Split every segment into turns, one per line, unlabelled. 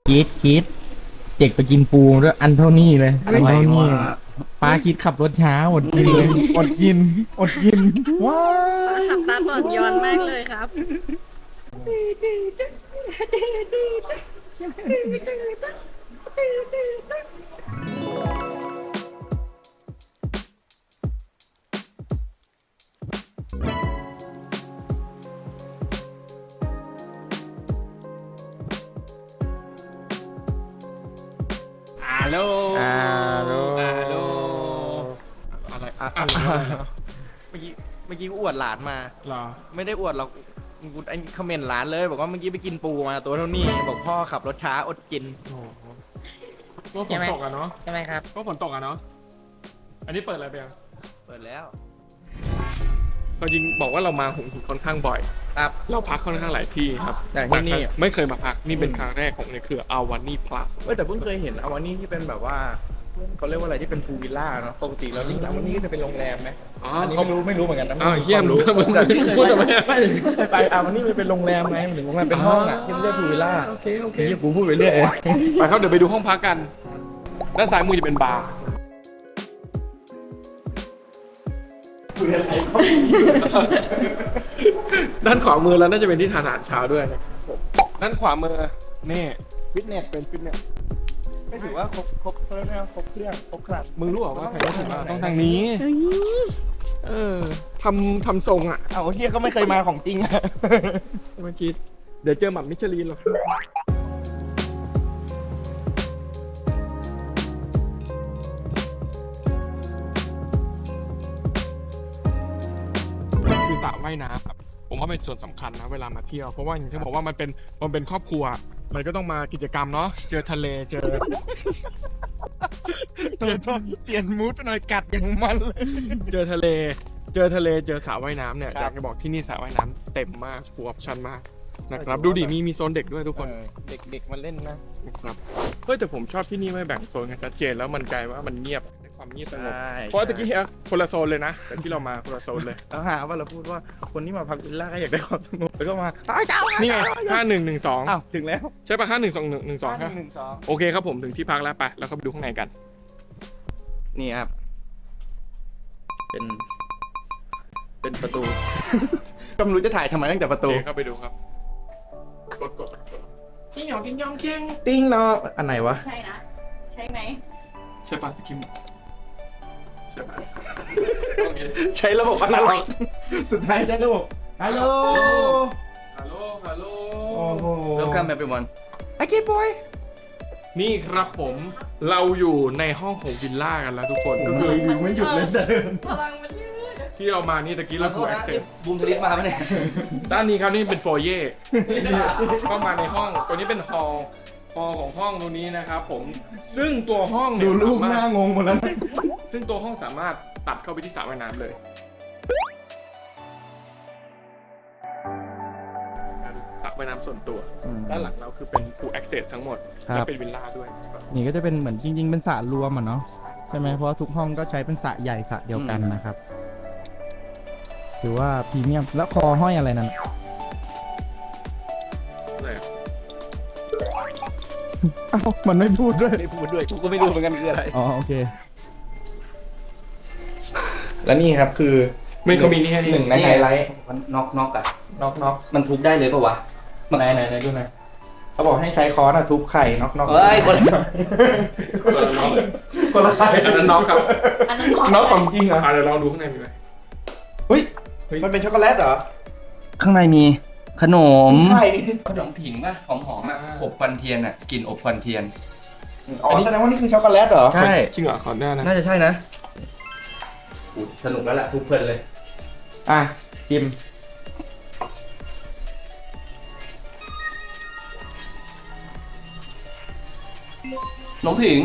คิดเจกไปกินปูด้วยอันเท่านี้เลยอันเท่านี้ป้าคิดขับรถช้าอดกินเลยอดกินว้า
ขับตาบอดย้อนมากเลยครับ
ฮัลโหล
โล
อะไร
เมื่อกี้อวดหลานมา
หรอ
ไม่ได้อวดหรอกกูไอ้คอมเมนต์หลานเลยบอกว่าเมื่อกี้ไปกินปูมาตัวเท่านี้บอกพ่อขับรถช้าอดกิน
โอ้โหก็ฝนตกอะเนาะ
ใช่ไหมครับ
ก็ฝนตกอะเนาะอันนี้เปิดอะไรไปยัง
เปิดแล้ว
เราจริงบอกว่าเรามาหงหินค่อนข้างบ่อย
ครับ
เราพักค่อนข้างหลายที่ครับ
อย่างที่นี่
ไม่เคยมาพักนี่เป็นครั้งแรกของในเครืออาวานี่พลัส
แต่เพิ่งเคยเห็นอวานี่ที่เป็นแบบว่าเขาเรียกว่าอะไรที่เป็นพูลวิลล่าเนาะปกติแล้วนี่อวานี่ก็จะเป็นโรงแรมไหม
อ๋อ
อันนี้
เขา
ไม่รู้เหมือนกันนะ
อ้าวเฮียม
รู้
มึง
แต่ที่เคย
พูด
ไป
ทำไมอะ
ไม่เคยไปอวานี่มันเป็นโรงแรมไงมันถึงโรงแรมเป็นห้องอ่ะที่มันเรียกพูลวิลล่า
โอเค
เฮียกูพูดไปเรื่อย
ไปครับเดี๋ยวไปดูห้องพักกันด้านซ้ายมือจะเป็นบาร์ด้านขวามือแล้วน่าจะเป็นที่ทานอาหารเช้าด้วยนะครับผมด้านขวามือนี่ฟิตเนสเป็นฟิตเนส
ไม่ถือว่าครบเครื่องครบเครื่องครบครัน
มึงรู้เหรอว่าใครต้องมาต้องทางนี้เออทำทรงอ่ะ
เอาเฮียก็ไม่เคยมาของจริงอะ
เมื่อกี้เดี๋ยวเจอหม่ำมิชลินหรอกคือสระว่ายน้ำครับผมว่าเป็นส่วนสำคัญนะเวลามาเที่ยวเพราะว่าอย่างที่บอกว่ามันเป็นครอบครัว มันก็ต้องมากิจกรรมเนาะเจอทะเลเจอ
ตัวชอบเปลี่ยนมูดไปหน่อยกัดอย่างมันเลย
เจอทะเลเจอสระว่ายน้ำเนี่ยอยากจะบอกที่นี่สระว่ายน้ำเต็มมากฟูลออปชั่นมากนะครับดูดิมีโซนเด็กด้วยทุกคน
เด็กๆมาเล่นนะ
นะครับเฮ้ยแต่ผมชอบที่นี่ไม่แบ่งโซนกันชัดเจนแล้วมันกลายว่ามันเงียบในความเงียบสงบ
ใช่
เพราะตะกี้เฮียคนละโซนเลยนะแต่ที่เรามาคนละโซนเลย
แล้วหาว่าเราพูดว่าคนที่มาพักวิลล่าก็อยากได้ความสงบแล้วก็มา
นี่ไง5112
อ้าวถึงแล้ว
ใช่ป่ะ5112ครับ
112
โอเคครับผมถึงที่พักแล้วไปแล้วก็ไปดูข้างในกัน
นี่ครับ เป็นประตู ก็ไม่รู้จะถ่ายทำไมตั้งแต่ประ
โอ
ตู
เคเข้าไปดูครับกดจิ้งหยองจิ้งยองเคียง
ติ้งเนาะอันไหนวะ
ใช่นะ ใช่ไหม
ใช่ป่ะตะกี้ใช่ป่ะโอเค
ใช้ระบบอนาล็อก สุดท้ายใช้ระบบฮัลโหล
ฮัลโหลฮัลโหล
โอ้โห
Welcome everyone.
นี่ครับผมเราอยู่ในห้องของวิลล่ากันแล้วทุกคนก็คือ
รีวิวไม่หยุดเลยแต่เดิน
พลังมันยืด
ที่เรามานี่ตะกี้เราถูกแอคเซส
บูมทลิสมาปะเนี่ย
ด้านนี้ครับนี่เป็นโฟเย่เข้ามาในห้องตัวนี้เป็นฮอลของห้องตรงนี้นะครับผมซึ่งตัวห้องเนี่ย
ดูรูป
สา
ห
มาร
น้า
ถ
งงหมดแล้วนะ
ซึ่งตัวห้องสามารถตัดเข้าไปที่สระว่ายน้ำเลยสระว่ายน้ำส่วนตัวด้านหลังเราคือเป็นฟูลแอคเซสทั้งหมด
ครับ
และเป็นวิลล่าด้วย
นี่ก็จะเป็นเหมือนจริง ๆ เป็นสระรวมอ่ะเนาะใช่ไหมเพราะว่าทุกห้องก็ใช้เป็นสระใหญ่สระเดียวกันนะครับถือว่าพรีเมียมแล้วคอห้อยอะไรนั่น เอ้ามันไม่พูดด้วย
ไม่พูดด้วย
กูก็ไม่รู้เหมือนกันคืออะไร
อ๋อโอเค
แล้วนี่ครับคือ
ไม่เขามีนี่แค่นี้
หนึ่งในไฮไลท์
มันน็อกอะ
น็อก
มันทุบได้เลยปะวะ
ไหนดูหน่อยเขาบอกให้ใช้ค้อนอะทุบไข่น็อก
เฮ้ยคนละ
คนละน็อก
คนละไข่
อันนั้นน็อกครับ
อันนั้นของ
น็อกของจริงเหรอ
เดี๋ยวลองดูข้างในมีไหม
เฮ้ย
เฮ้ย
มันเป็นช็อกโกแลตเหรอ
ข้างในมีขนม
ไข่
ขนมผิงป่ะหอมๆอะอบควันเทียนอะกลิ่นอบควันเทียน
อ๋อแสดงว่านี่คือช็อกโกแลตเหรอ
ใช่
จริงเหรอขอได้นะ
น่าจะใช่นะอุ๊ยสนุกแล้วแหละทุกเพลินเลย
อ่ะกิม
ขนมผิง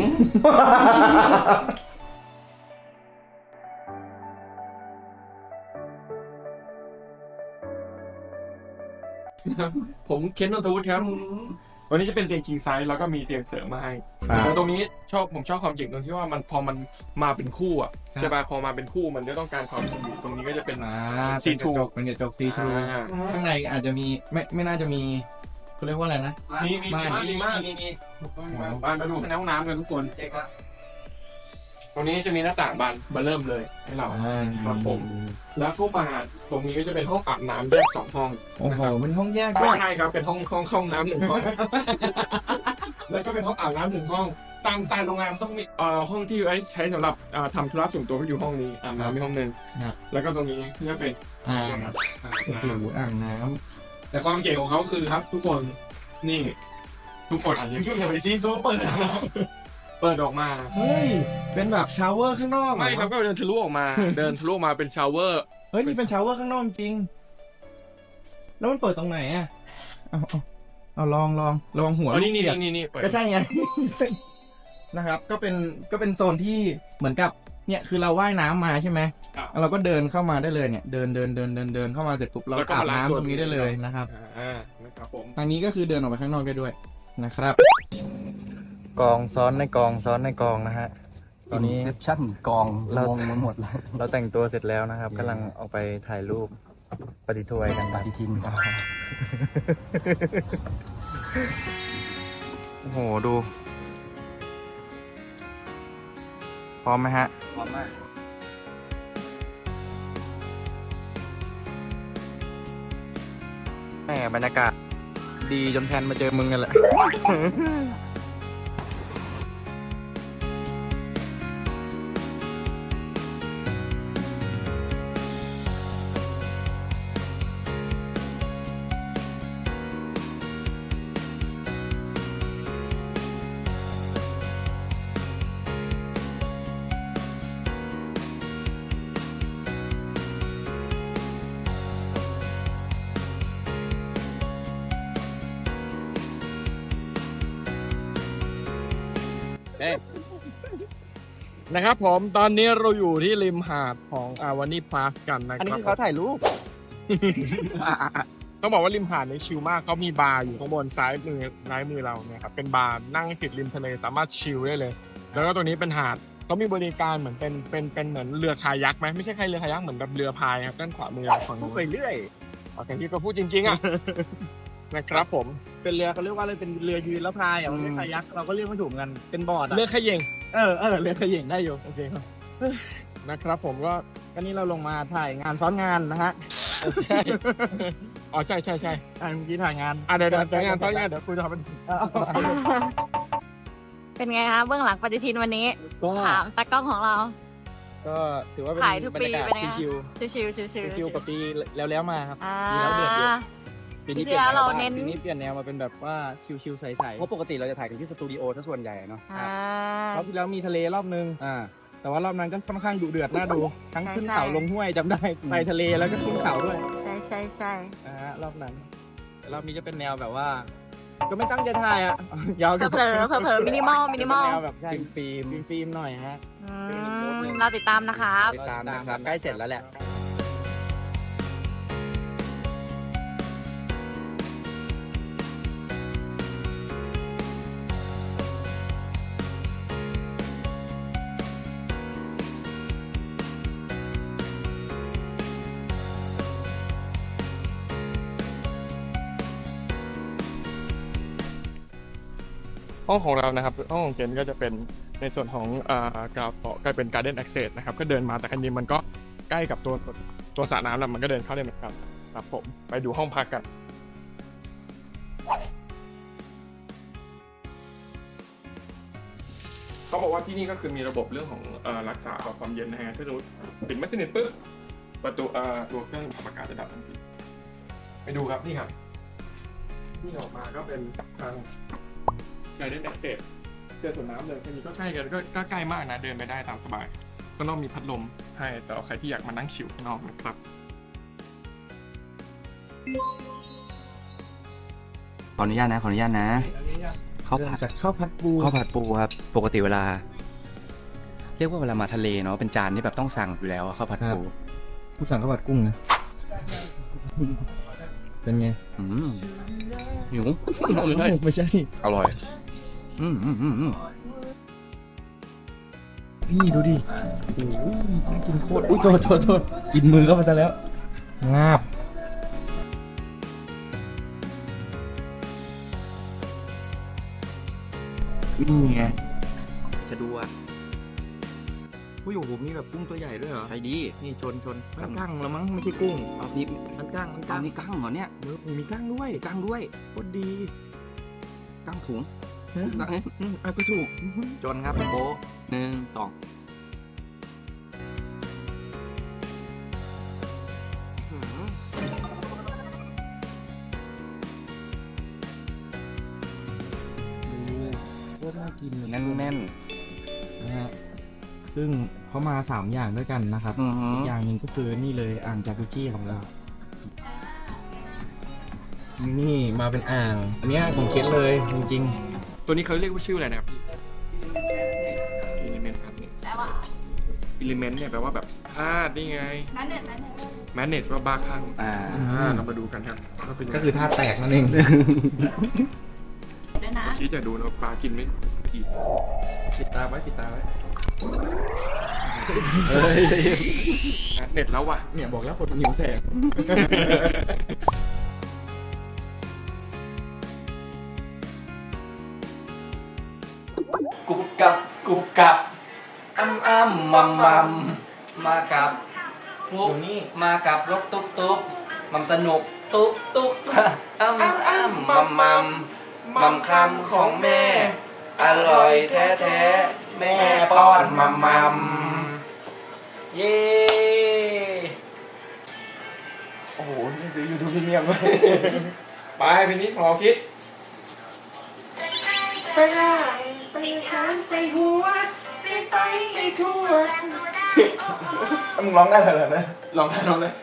ผมเคนนนทวุฒิครับวันนี้จะเป็นเตียง king size แล้วก็มีเตียงเสริมมาให้
ครับ
แล้วตรงนี้ผมชอบความเจ๋งตรงที่ว่ามันพอมันมาเป็นคู่อ่ะใช่ป่ะพอมาเป็นคู่มันก็ต้องการความสวีทตรงนี้ก็จะเป็น
อ่า
C2
เป็นกระจกซีทู
อ่า
ข้างในอาจจะมีไม่น่าจะมีเขาเรียกว่าอะไรนะ
มีมากบ้านมาดูในห้องน้ำกันทุกคน
เจ๊ก็
ตรงนี้จะมีหน้าต่างบานเริ่มเลยให้เราครับผมแล้วเข้ามาตรงนี้ก็จะเป็นห้องอาบน้ำแยก2 ห้อง
โอ้โหเป็นห้องแยกด้วย
ใช่ครับเป็นห้องน้ำ1 ห้อง แล้วก็เป็นห้องอาบน้ำ1 ห้องตามสไตล์โรงแรมต้องมีห้องที่ไว้ใช้สำหรับทำธุระส่วนตัวก็อยู่ห้องนี้อาบน้ำมีห้องนึงแล้วก็ตรงนี้ก็เป็น
อ่า
อาบ
โอ้โห
น้ำ
อ่างน้
แต่ความเก๋ของเขาคือครับ ทุกคนนี่ ทุกคนอาจจะ
ำอย่าไปซีโซเปิด
เปิดออกมา
เฮ้ยเป็นแบบชาวเวอร์ข้างนอกเหอ
ไม่ครับก็เดินทะลุออกมา เดินทะลุออกมาเป็นชาวเวอร์
เฮ้ยนี่เป็นชาวเวอร์ข้างนอกจริงแล้วมันเปิดตรงไหนอ่ะเอาลองหัว
อ๋อนี่
ลูกเปียก
นี่เปิด
ก็ใช่ไง นะครับก็เป็นโซนที่เหมือนกับเนี่ยคือเราว่ายน้ำมาใช่ไหม
ครับ
เราก็เดินเข้ามาได้เลยเนี่ยเดินเข้ามาเสร็จปุ๊บเรา
แล้วก็
อาบ
มาล้าง
น้ำ
ตัว
ตรงนี้ได้เลยนะครับ
นะครับผม
ทางนี้ก็คือเดินออกไปข้างนอกได้ด้วยนะครับ กองซ้อนในกองนะฮะตอนนี้
Inception กอง
เรา
งงไปหมดเลย
เราแต่งตัวเสร็จแล้วนะครับกำลังออกไปถ่ายรูปปฏิทวยกัน
ปฏิทิน
โอ้โหดู พร้อมไหมฮะ
พร้อมมาก
แหมบรรยากาศดีจนแทนมาเจอมึงกันแหละ
นะครับผมตอนนี้เราอยู่ที่ริมหาดของวานี่พาร์คกันนะค
อันนี้
รับ
คือเขาถ่ายรูป
ต้องบอกว่าริมหาดในชิลมากเขามีบาร์อยู่ข้างบนซ้ายมือเราเนี่ยครับเป็นบาร์นั่งติดริมทะเลสามารถชิลได้เลย แล้วก็ตัวนี้เป็นหาดเขามีบริการเหมือนเป็นเหมือนเรือคายักไหมไม่ใช่แค่เรือคายักเหมือนแบบเรือพายครับด้านขวามือฝั่งนู้น
ไปเรื่อย
โอเคที่ก็พูดจริงๆอ่ะ นะครับผม
เป็นเรือเขาเรียกว่าอะไรเป็นเรือยืนแล้วพายอ่ะมันเรียกคายักเราก็เรียกไม่ถูกเหมือนกันเป็นบอร์ดอ่ะ
เรือขย่ง
เรือขย่งได้อยู่โอเคครับ
นะครับผมก็
ก็นี่เราลงมาถ่ายงานซ้อนงานนะฮะ
ใช่อ๋อใช่เ
เมื่อกี้ถ่ายงาน
เดี๋ยวงานตอนนี้เดี๋ยวคุยจะเป็น
เป็นไงคะเบื้องหลังปฏิทินวันนี้
ก็
ถามตากล้องของเรา
ก็ถือว่าเป็น
ถ่ายทุก
บร
ปี
รยากาศ
เป็นไง
ชิว
ชิวๆชิวๆ
ๆกับปีแล้วมาครับ
อ่า
ปีแล้วเดือดอยู่ปีนี้
ปีที่แล้วเราเน้น
ปีนี้เปลี่ยนแนวมาเป็นแบบว่าชิวๆใส
เพราะปกติเราจะถ่ายกันที่สตูดิโอถ้าส่วนใหญ่เนาะ
อ่า
ๆรอบที่แล้วมีทะเลรอบนึง แต่ว่ารอบนั้นก็ค่อนข้างดุเดือดน่าดู ทั้ง
ใช่
ขึ้น
ใช่
เขาลงห้วยจำได้ไปทะเลแล้วก็ขึ้นเขาด้วย
ใช่ใช่ใช่
นะฮะรอบนั้นแต่รอบนี้จะเป็นแนวแบบว่า ก็ไม่ตั้งใจถ่ายอ่ะ ยาว
เผลอมินิมอล
แนวแบบฟิล์มหน่อยฮะ
เราติดตามนะครับ
ติดตามนะครับใกล้เสร็จแล้วแหละ
ห้องของเรานะครับห้องของเจนก็จะเป็นในส่วนของกราวต่อก็เป็น Garden Access นะครับก็เดินมาแต่คันนี้มันก็ใกล้กับตัวสระน้ำแล้วมันก็เดินเข้าได้เหมือนกันครับผมไปดูห้องพักกันเขาบอกว่าที่นี่ก็คือมีระบบเรื่องของรักษาความเย็นนะฮะถ้าสมมติปิดไม่สนิทปุ๊บประตูตัวเครื่องปรับอากาศจะดับทันทีไปดูครับนี่ครับที่ออกมาก็เป็นทางGarden Access เจอสวนน้ำเลยแค่นี้ก็ใกล้กันก็ใกล้มากนะเดินไปได้ตามสบายข้างนอกมีพัดลมให้สำหรับใครที่อยากมานั่งชิลข้างนอกนะครับ
ขออนุญาตนะข้าว
เริ่ม
ผัด
จากข้าวผัดปู
ข้าวผัดปูครับ ปกติเวลา เรียกว่าเวลามาทะเลเนาะเป็นจานที่แบบต้องสั่งอยู่แล้วอะข้าวผัดปู
ผู้สั่งข้าวผัดกุ้งนะเป็นไง
หิว
ไม่ใช่
อร่อย
พี่ดูดิโอ้ยน่ากินโคตรอุ้ยโทษกินมือเข้าไปซะแล้วงาบนี่ไง
จะดูอ่ะ
อุ้ยโอ้โหมีแบบกุ้งตัวใหญ่ด้วยเหรอ
ใช่ดี
นี่ชนมันกั้งแล้วมั้งไม่ใช่กุ้ง
เอานี่
มันกั้ง
เอานี่กั้งเหรอเนี่ย
เออโอ้โหมีกั้งด้วย
กั้งด้วย
โคตรดี
กั้งถุง
ฮะ
กั้ง
ก็ถูกชนครับ
โป๊ะหนึ่งสอง
โคตรน่ากินเลย
แน่น
นะฮะซึ่งเขามา3อย่างด้วยกันนะครับ
ๆอือหือ
อีกอย่างหนึ่งก็คือนี่เลยอ่างจากุชี่ของเรา นี่มาเป็นอ่าง อันเนี้ยของเคสเลยจริง
ตัวนี้เขาเรียกว่าชื่ออะไรนะครับพี่ element madness
แปลว่า
element เนี่ยแปลว่าแบบธาตุนี่ไง madness ว่าบ้าคลั่ง
อ่า
เรามาดูกันครับว่าเป็นยัง
ๆ
ไง
ก็คือท่าแตกนั่นเอง
ด้วยนะ
คิดจะดูนะปลากินไม่กี่
ปิดตาไว้
เน็ตแล้วว่ะ
เนี่ยบอกแล้วคนหิวแสง
กุบกับอ้ำมัมมากับพวกมากับรถตุ๊กมัมสนุกตุ๊กอ้ำมัมคำของแม่ อร่อยแท้แม่ป้อนมัมเย้
โอ้โหนี่ซื้อยูทูบพรีเมียม
ไปเป็นนี้ของเราคิด
ไปล่างไปค้างใส่หัวไปให้ทั่ว
มึงร้องได้เหรอเนี่ย
ลองได้ลองเลย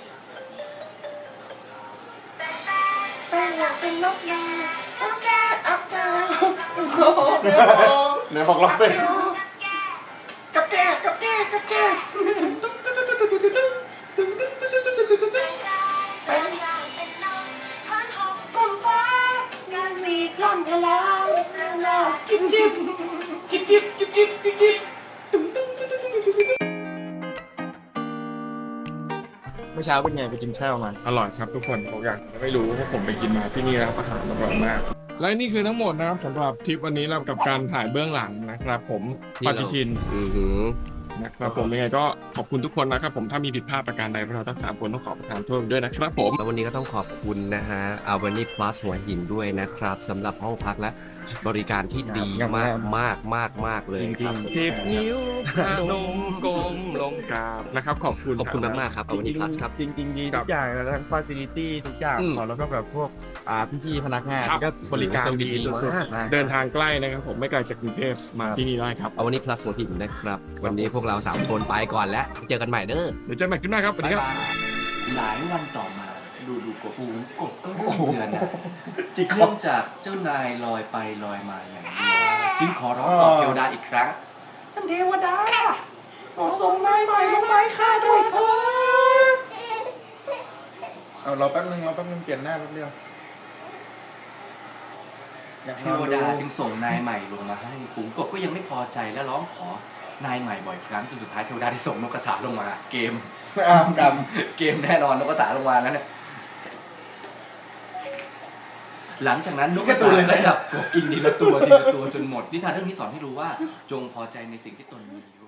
ไปอยากเป็นนกยาต้องแก้อับดาว
เดี๋ยวบอกลองเป็น
กับแก้ไปก้มฟ้างานมีกล้องทะลางหน้าจิ๊บ
เมื่อเช้าเป็นไงไปกินข้าวมา
อร่อยครับทุกคนผมอยากไม่รู้เพราะผมไปกินมาที่นี่แล้วอาหารอร่อยมาก และนี่คือทั้งหมดนะครับสำหรับทริปวันนี้เรากับการถ่ายเบื้องหลังนะครับ ผมปฏิชินนะครับผมยังไงก็ขอบคุณทุกคนนะครับผมถ้ามีผิดพลาดประการใดพวกเราทั้ง3คนต้องขอประทานโทษด้วยนะครับผม
แล้ววันนี้ก็ต้องขอบคุณนะฮะอาวันนี้ plus หัวหินด้วยนะครับสำหรับห้องพักและบริการที่ดีมากเลยครับ
10 นิ้วพนมกลมลงกราบนะครับขอบคุณ
ขอบคุณมากๆครับอาวันนี้ plus ครับ
จริงๆดีทุกอย่างนะทั้งฟาซิลิตี้ทุกอย่าง
อืม
แล้วก็แบบพวกพี่ๆพนักงาน
ครับ
ก็บริการดี
สุด
มากนะ
ๆเดินทางใกล้นะครับผมไม่ไกลจากกรุงเทพมาที่นี่ได้ครับ
เอาวันนี้ plus หัวหินนะครับ วันนี้พวกเรา3คนไปก่อนแล้วเจอกันใหม่เด้อ
เดี๋ยวเจอกันใหม่ขึ้นหน้าครับสวัสดีครับ
หลายวันต่อมาดูกบฝูงกบก็เริ่มเดือนนะเนื่องจากเจ้านายลอยไปลอยมาอย่างเดียวจึงขอร้องต่อเทวดาอีกครั้งท่านเทวดาขอส่งนายใหม่ลงมาให้ข้าด้วยเถิด
เอาเราแป๊บนึงเปลี่ยนหน้าแป๊บเดียว
เทวดาจึงส่งนายใหม่ลงมาให้ฝูงกบก็ยังไม่พอใจและร้องขอนายใหม่บ่อยครั้งจนสุดท้ายเทวดาได้ส่งนกกระสาลงมา เกม
กรรม
เกมแน่นอนนกกระสาลงมาแล้วเนี่ยหลังจากนั้นนกกระสาก็จับกบกินทีละตัวจนหมดนิทานเรื่องนี้สอนให้รู้ว่าจงพอใจในสิ่งที่ตนมีอยู่